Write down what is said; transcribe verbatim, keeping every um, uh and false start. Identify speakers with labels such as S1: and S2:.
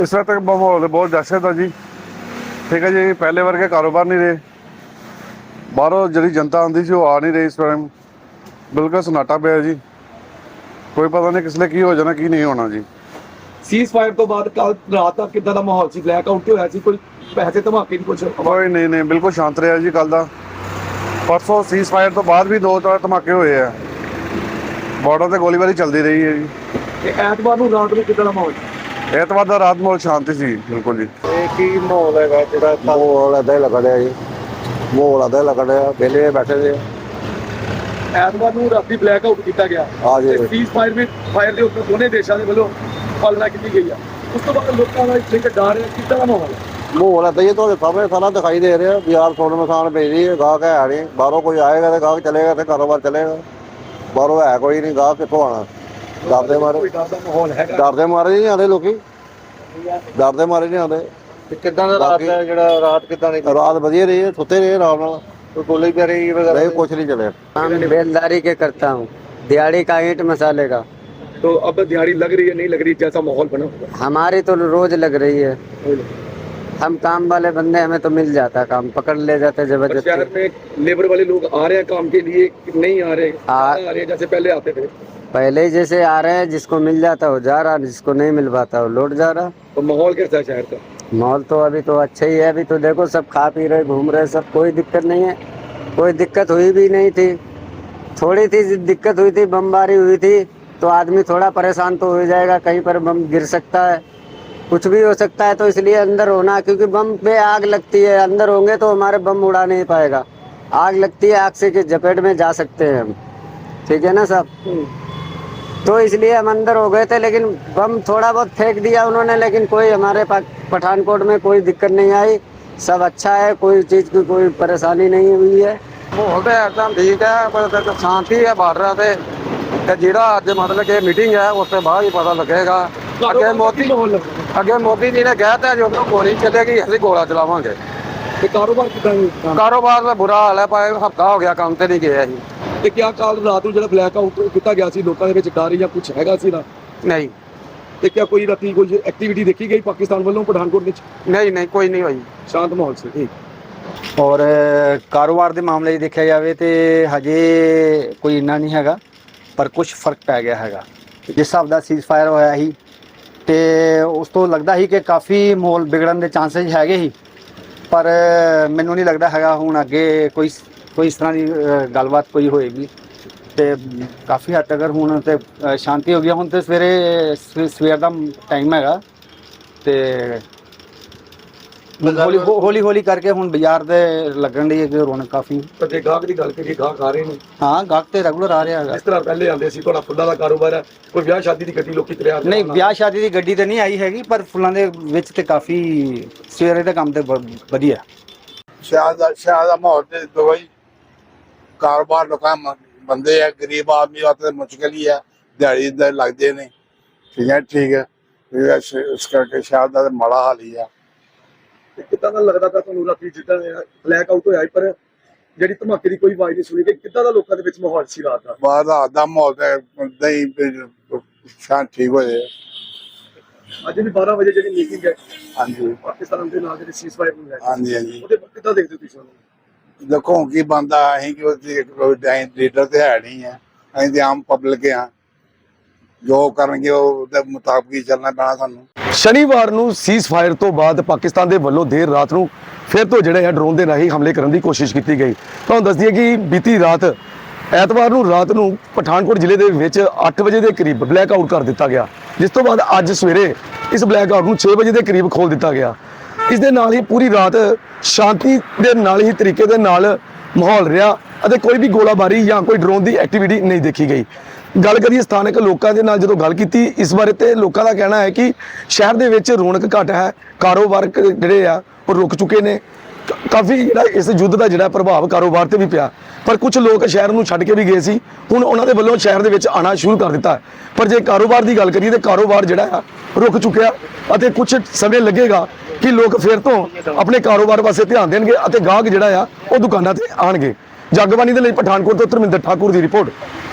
S1: इस वक्त माहौल बहुत दहशत है जी। ठीक है जी, पहले वर्गे कारोबार नहीं रहे, बाहरों जी जनता आती सी आ नहीं रही। इस टाइम बिल्कुल सन्नाटा पिया जी, कोई पता नहीं किसले की हो जाना की नहीं होना जी।
S2: ਸੀਜ਼ ਫਾਇਰ ਤੋਂ ਬਾਅਦ ਕੱਲ ਰਾਤ ਤੱਕ ਕਿੱਦਾਂ ਦਾ ਮਾਹੌਲ ਸੀ? ਬਲੈਕ ਆਊਟ ਹੋਇਆ ਸੀ? ਕੋਈ ਪੈਸੇ ਧਮਾਕੇ ਦੀ ਕੁਝ?
S1: कोई नहीं नहीं बिल्कुल शांत रहा जी। कल का परसों सीज फायर तो बाद भी दो चार धमाके हुए हैं, बॉर्डर से गोलीबारी चलती रही है जी।
S2: ਤੇ ਐਤਵਾਰ ਨੂੰ ਰਾਤ ਨੂੰ ਕਿੱਦਾਂ ਦਾ ਮਾਹੌਲ ਸੀ?
S1: एतवार का रात माहौल शांति सी बिल्कुल जी।
S3: ਇਹ ਕੀ ਮਾਹੌਲ ਹੈਗਾ ਜਿਹੜਾ ਮਾਹੌਲ ਏਦਾਂ ਹੀ ਲੱਗ ਰਿਹਾ ਜੀ, ਮਾਹੌਲ ਏਦਾਂ ਹੀ ਲੱਗ ਰਿਹਾ, ਵਿਹਲੇ ਬੈਠੇ ਦੇ
S2: ਐਤਵਾਰ ਨੂੰ ਰਾਤੀ ਬਲੈਕ ਆਊਟ ਕੀਤਾ ਗਿਆ।
S3: ਆ ਜੀ।
S2: ਸੀਜ਼ ਫਾਇਰ ਵੀ ਫਾਇਰ ਦੇ ਉੱਤੇ ਦੋਨੇ ਦੇਸ਼ਾਂ ਦੇ ਵੱਲੋਂ ਪਾਲਣਾ ਕੀਤੀ ਗਈ ਆ। ਉਸ ਤੋਂ ਬਾਅਦ ਲੋਕਾਂ ਦਾ ਇੱਕ ਡਰ ਹੈ, ਕਿੱਦਾਂ ਦਾ ਮਾਹੌਲ ਹੈ?
S3: ਮਾਹੌਲ ਏਦਾਂ ਹੀ ਤੁਹਾਡੇ ਸਾਹਮਣੇ ਸਾਰਾ ਦਿਖਾਈ ਦੇ ਰਿਹਾ। ਬਾਜ਼ਾਰ ਸੋਨ ਮਸਾਨ ਭੇਜੀ ਗਾਹਕ ਹੈ ਨਹੀਂ, ਬਾਹਰੋਂ ਕੋਈ ਆਏਗਾ ਤੇ ਗਾਹਕ ਚਲੇਗਾ ਤੇ ਕਾਰੋਬਾਰ ਚਲੇਗਾ, ਬਾਹਰੋਂ ਹੈ ਕੋਈ ਨਹੀਂ, ਗਾਹਕ ਕਿੱਥੋਂ ਆਣਾ? ਡਰਦੇ ਮਾਰੇ
S2: ਕੋਈ ਡਰ ਦਾ ਮਾਹੌਲ ਹੈਗਾ?
S3: ਡਰਦੇ ਮਾਰੇ ਨਹੀਂ ਆਉਂਦੇ ਲੋਕੀ, ਡਰਦੇ ਮਾਰੇ ਨਹੀਂ ਆਉਂਦੇ।
S4: ਤੇ ਕਿੱਦਾਂ ਦਾ ਰਾਤ ਦਾ ਜਿਹੜਾ ਰਾਤ ਕਿੱਦਾਂ ਦੀ?
S3: ਰਾਤ ਵਧੀਆ ਰਹੀ ਹੈ, ਸੁੱਤੇ ਰਹੇ ਆਰਾਮ ਨਾਲ,
S4: ਕੋਈ ਗੋਲੀ ਬਾਰੀ ਵਗੈਰਾ?
S3: ਨਹੀਂ ਕੁਛ ਨਹੀਂ ਚੱਲਿਆ।
S5: काम बेलदारी के करता हूँ, दिहाड़ी का ईंट मसाले का।
S2: तो अब दिहाड़ी लग रही है नहीं लग रही, जैसा माहौल बना हुआ
S5: हमारी तो रोज लग रही है,
S2: है।
S5: हम काम वाले बंदे, हमें तो मिल जाता काम, पकड़ ले जाते
S2: और शहर
S5: जबरदस्ती।
S2: में लेबर वाले लोग आ रहे हैं काम के लिए कि नहीं आ रहे?
S5: आ-
S2: आ रहे हैं जैसे पहले आते थे।
S5: पहले ही जैसे आ रहे हैं, जिसको मिल जाता वो जा रहा, जिसको नहीं मिल पाता वो लौट जा रहा।
S2: तो माहौल कैसा है शहर का?
S5: माहौल तो अभी तो अच्छा ही है, अभी तो देखो सब खा पी रहे घूम रहे, सब कोई दिक्कत नहीं है, कोई दिक्कत हुई भी नहीं थी। थोड़ी थी दिक्कत हुई थी, बमबारी हुई थी तो आदमी थोड़ा परेशान तो हो जाएगा, कहीं पर बम गिर सकता है, कुछ भी हो सकता है, तो इसलिए अंदर होना, क्योंकि बम पे आग लगती है, अंदर होंगे तो हमारे बम उड़ा नहीं पाएगा, आग लगती है, आग से के जपेट में जा सकते हैं हम, ठीक है ना साहब। तो इसलिए हम अंदर हो गए थे, लेकिन बम थोड़ा बहुत फेंक दिया उन्होंने, लेकिन कोई हमारे पास पठानकोट में कोई दिक्कत नहीं आई, सब अच्छा है, कोई चीज़ की कोई परेशानी नहीं हुई है।
S6: माहौल तो एकदम ठीक है, पर शांति है बार्डर पे। ਤੇ ਜਿਹੜਾ ਅੱਜ ਮਤਲਬ ਕਿ ਮੀਟਿੰਗ ਹੈ ਉਸ ਤੋਂ ਬਾਅਦ ਹੀ ਪਤਾ ਲੱਗੇਗਾ। ਅੱਗੇ ਮੋਦੀ
S2: माहौल लग रहा है?
S6: ਅੱਗੇ ਮੋਦੀ ਜੀ ਨੇ ਕਹਿ ਤਾ ਜਦੋਂ ਗੋਲੀ ਚੱਲੇਗੀ ਅਸੀਂ ਗੋਲਾ ਚਲਾਵਾਂਗੇ।
S2: ਤੇ ਕਾਰੋਬਾਰ ਕਿੱਦਾਂ ਹੈ?
S6: ਕਾਰੋਬਾਰ ਦਾ ਬੁਰਾ ਹਾਲ ਹੈ, ਪਰ ਹਫਤਾ ਹੋ ਗਿਆ ਕੰਮ ਤੇ ਨਹੀਂ ਗਏ ਅਸੀਂ।
S2: ਤੇ ਕਿਆ ਕੱਲ ਰਾਤ ਨੂੰ ਜਿਹੜਾ ਬਲੈਕ ਆਊਟ ਕੀਤਾ ਗਿਆ ਸੀ, ਲੋਕਾਂ ਦੇ ਵਿੱਚ ਡਰ ਜਾਂ ਕੁਝ ਹੈਗਾ ਸੀ ਨਾ?
S6: ਨਹੀਂ
S2: ਤੇ ਕਿਆ ਕੋਈ ਰਾਤੀ ਕੋਈ ਐਕਟੀਵਿਟੀ ਦੇਖੀ ਗਈ ਪਾਕਿਸਤਾਨ ਵੱਲੋਂ ਪਠਾਨਕੋਟ ਵਿੱਚ?
S6: ਨਹੀਂ ਨਹੀਂ ਕੋਈ ਨਹੀਂ ਹੋਈ।
S2: ਸ਼ਾਂਤ ਮਾਹੌਲ ਸੀ। ਠੀਕ।
S7: ਔਰ ਕਾਰੋਬਾਰ ਦੇ ਮਾਮਲੇ 'ਚ ਦੇਖਿਆ ਜਾਵੇ ਤੇ ਹਜੇ ਕੋਈ ਇੰਨਾ ਨਹੀਂ ਹੈਗਾ, ਪਰ ਕੁਝ ਫਰਕ ਪੈ ਗਿਆ ਹੈਗਾ। ਜਿਸ ਹਿਸਾਬ ਦਾ ਸੀਜ਼ ਫਾਇਰ ਹੋਇਆ ਸੀ ਤੇ ਉਸ ਤੋਂ ਲੱਗਦਾ ਸੀ ਕਿ ਕਾਫੀ ਮਾਹੌਲ ਵਿਗੜਨ ਦੇ ਚਾਂਸਸ ਹੈਗੇ ਸੀ, ਪਰ ਮੈਨੂੰ ਨਹੀਂ ਲੱਗਦਾ ਹੈਗਾ ਹੁਣ ਅੱਗੇ ਕੋਈ ਕੋਈ ਇਸ ਤਰ੍ਹਾਂ ਦੀ ਅ, ਗੱਲਬਾਤ ਕੋਈ ਹੋਏਗੀ। ਤੇ ਕਾਫੀ ਹੱਦ ਤੱਕ ਹੁਣ ਤੇ ਅ, ਸ਼ਾਂਤੀ ਹੋ ਗਈ। ਹੁਣ ਤੇ ਸਵੇਰੇ ਸਵੇ- ਸਵੇਰ ਦਾ ਟਾਈਮ ਹੈਗਾ ਤੇ ਹੌਲੀ ਹੌਲੀ ਹੌਲੀ ਕਰਕੇ ਹੁਣ ਬਾਜ਼ਾਰ ਦੇ ਲੱਗਣ ਦੀ ਰੌਣਕ ਕਾਫੀ।
S2: ਤਾਂ ਜੇ ਗਾਹਕ ਦੀ ਗੱਲ ਕਰੀਏ, ਗਾਹਕ ਆ ਰਹੇ ਨੇ
S7: ਹਾਂ ਗਾਹਕ ਤੇ ਰੈਗੂਲਰ ਆ ਰਿਹਾ ਹੈਗਾ।
S2: ਜਿਸ ਤਰ੍ਹਾਂ ਪਹਿਲੇ ਆਉਂਦੇ ਸੀ, ਤੁਹਾਡਾ ਫੁੱਲਾਂ ਦਾ ਕਾਰੋਬਾਰ ਹੈ, ਕੋਈ ਵਿਆਹ ਸ਼ਾਦੀ ਦੀ ਗੱਡੀ ਲੋਕੀ ਤੁਰਿਆ
S7: ਨਹੀਂ ਵਿਆਹ ਸ਼ਾਦੀ ਦੀ ਗੱਡੀ ਤੇ ਨਹੀਂ ਆਈ ਹੈਗੀ, ਪਰ ਫੁੱਲਾਂ ਦੇ ਵਿੱਚ ਤੇ ਕਾਫੀ ਸਵੇਰੇ ਦਾ ਕੰਮ ਤੇ ਬ- ਵਧੀਆ।
S8: ਸ਼ਹਿਰ ਦਾ ਸ਼ਹਿਰ ਦਾ ਮਾਹੌਲ ਤੇ ਦੁਬਈ ਕਾਰੋਬਾਰ ਲੋਕਾਂ ਮ- ਬੰਦੇ ਆ, ਗਰੀਬ ਆਦਮੀ ਵਾਸਤੇ ਮੁਸ਼ਕਿਲ ਹੀ ਆ, ਦਿਹਾੜੀ ਦੇ ਲੱਗਦੇ ਨੇ। ਠੀਕ ਹੈ ਠੀਕ ਹੈ, ਇਹ ਸ਼- ਇਸ ਕਰਕੇ ਸ਼ਹਿਰ ਦਾ ਤਾਂ ਮਾੜਾ ਹਾਲ ਹੀ ਆ।
S2: ਤੇ ਕਿੱਦਾਂ ਦਾ ਲੱਗਦਾ ਪਿਆ ਤੁਹਾਨੂੰ ਰਾਤੀ ਜਿੱਦਾਂ ਬਲੈਕ ਆਊਟ ਹੋਇਆ ਸੀ, ਪਰ ਜਿਹੜੀ ਧਮਾਕੇ ਦੀ ਕੋਈ ਆਵਾਜ਼ ਨਹੀਂ ਸੁਣੀ ਗਈ? ਕਿੱਦਾਂ ਦਾ ਲੋਕਾਂ ਦੇ ਵਿੱਚ ਮਾਹੌਲ ਸੀ ਰਾਤ ਦਾ?
S8: ਬਾਹਰ ਦਾ ਦਾ ਮਾਹੌਲ ਤੇ ਏਦਾਂ ਹੀ ਵੀ ਸ਼ਾਂਤ ਠੀਕ ਹੋ ਜਾਏ।
S2: ਅੱਜ ਵੀ ਬਾਰਾਂ ਵਜੇ ਜਿਹੜੀ ਮੀਟਿੰਗ ਹੈ
S8: ਹਾਂਜੀ
S2: ਪਾਕਿਸਤਾਨ ਦੇ ਨਾਲ ਜਿਹੜੀ ਸੀਜ਼ ਫਾਇਰ ਨੂੰ ਲੈ ਕੇ,
S8: ਹਾਂਜੀ ਹਾਂਜੀ,
S2: ਉਹਦੇ ਬਾਰੇ ਕਿੱਦਾਂ ਦੇਖਦੇ ਹੋ ਤੁਸੀਂ ਉਹਨੂੰ?
S8: ਦੇਖੋ ਹੁਣ ਕੀ ਬੰਦਾ, ਅਸੀਂ ਕਿ ਉਹਦੇ ਲੀਡਰ ਤੇ ਹੈ ਨਹੀਂ ਹੈ, ਅਸੀਂ ਤੇ ਆਮ ਪਬਲਿਕ ਆ, ਜੋ ਕਰਨਗੇ ਉਹਦੇ ਮੁਤਾਬਕ ਹੀ ਚੱਲਣਾ ਪੈਣਾ ਸਾਨੂੰ।
S2: ਸ਼ਨੀਵਾਰ ਨੂੰ ਸੀਜ਼ ਫਾਇਰ ਤੋਂ ਬਾਅਦ ਪਾਕਿਸਤਾਨ ਦੇ ਵੱਲੋਂ ਦੇਰ ਰਾਤ ਨੂੰ ਫਿਰ ਤੋਂ ਜਿਹੜੇ ਹੈ ਡਰੋਨ ਦੇ ਰਾਹੀਂ ਹਮਲੇ ਕਰਨ ਦੀ ਕੋਸ਼ਿਸ਼ ਕੀਤੀ ਗਈ। ਤੁਹਾਨੂੰ ਦੱਸ ਦਈਏ ਕਿ ਬੀਤੀ ਰਾਤ ਐਤਵਾਰ ਨੂੰ ਰਾਤ ਨੂੰ ਪਠਾਨਕੋਟ ਜ਼ਿਲ੍ਹੇ ਦੇ ਵਿੱਚ ਅੱਠ ਵਜੇ ਦੇ ਕਰੀਬ ਬਲੈਕ ਆਊਟ ਕਰ ਦਿੱਤਾ ਗਿਆ, ਜਿਸ ਤੋਂ ਬਾਅਦ ਅੱਜ ਸਵੇਰੇ ਇਸ ਬਲੈਕ ਆਊਟ ਨੂੰ ਛੇ ਵਜੇ ਦੇ ਕਰੀਬ ਖੋਲ ਦਿੱਤਾ ਗਿਆ। ਇਸ ਦੇ ਨਾਲ ਹੀ ਪੂਰੀ ਰਾਤ ਸ਼ਾਂਤੀ ਦੇ ਨਾਲ ਹੀ ਤਰੀਕੇ ਦੇ ਨਾਲ ਮਾਹੌਲ ਰਿਹਾ ਅਤੇ ਕੋਈ ਵੀ ਗੋਲਾਬਾਰੀ ਜਾਂ ਕੋਈ ਡਰੋਨ ਦੀ ਐਕਟੀਵਿਟੀ ਨਹੀਂ ਦੇਖੀ ਗਈ। ਗੱਲ ਕਰੀਏ ਸਥਾਨਕ ਲੋਕਾਂ ਦੇ ਨਾਲ ਜਦੋਂ ਗੱਲ ਕੀਤੀ ਇਸ ਬਾਰੇ, ਤੇ ਲੋਕਾਂ ਦਾ ਕਹਿਣਾ ਹੈ ਕਿ ਸ਼ਹਿਰ ਦੇ ਵਿੱਚ ਰੌਣਕ ਘੱਟ ਹੈ, ਕਾਰੋਬਾਰ ਕ- ਜਿਹੜੇ ਆ ਉਹ ਰੁਕ ਚੁੱਕੇ ਨੇ। ਕ- ਕਾਫੀ ਜਿਹੜਾ ਇਸ ਯੁੱਧ ਦਾ ਜਿਹੜਾ ਪ੍ਰਭਾਵ ਕਾਰੋਬਾਰ ਤੇ ਵੀ ਪਿਆ, ਪਰ ਕੁਝ ਲੋਕ ਸ਼ਹਿਰ ਨੂੰ ਛੱਡ ਕੇ ਵੀ ਗਏ ਸੀ, ਹੁਣ ਉਹਨਾਂ ਦੇ ਵੱਲੋਂ ਸ਼ਹਿਰ ਦੇ ਵਿੱਚ ਆਉਣਾ ਸ਼ੁਰੂ ਕਰ ਦਿੱਤਾ। ਪਰ ਜੇ ਕਾਰੋਬਾਰ ਦੀ ਗੱਲ ਕਰੀਏ ਤਾਂ ਕਾਰੋਬਾਰ ਜਿਹੜਾ ਆ ਰੁਕ ਚੁੱਕਿਆ ਅਤੇ ਕੁਝ ਸਮੇਂ ਲੱਗੇਗਾ ਕਿ ਲੋਕ ਫਿਰ ਤੋਂ ਆਪਣੇ ਕਾਰੋਬਾਰ ਪਾਸੇ ਧਿਆਨ ਦੇਣਗੇ ਅਤੇ ਗਾਹਕ ਜਿਹੜਾ ਆ ਉਹ ਦੁਕਾਨਾਂ ਤੇ ਆਣਗੇ। ਜਗਬਾਣੀ ਦੇ ਲਈ ਪਠਾਨਕੋਟ ਤੋਂ ਧਰਮਿੰਦਰ ਠਾਕੁਰ ਦੀ ਰਿਪੋਰਟ।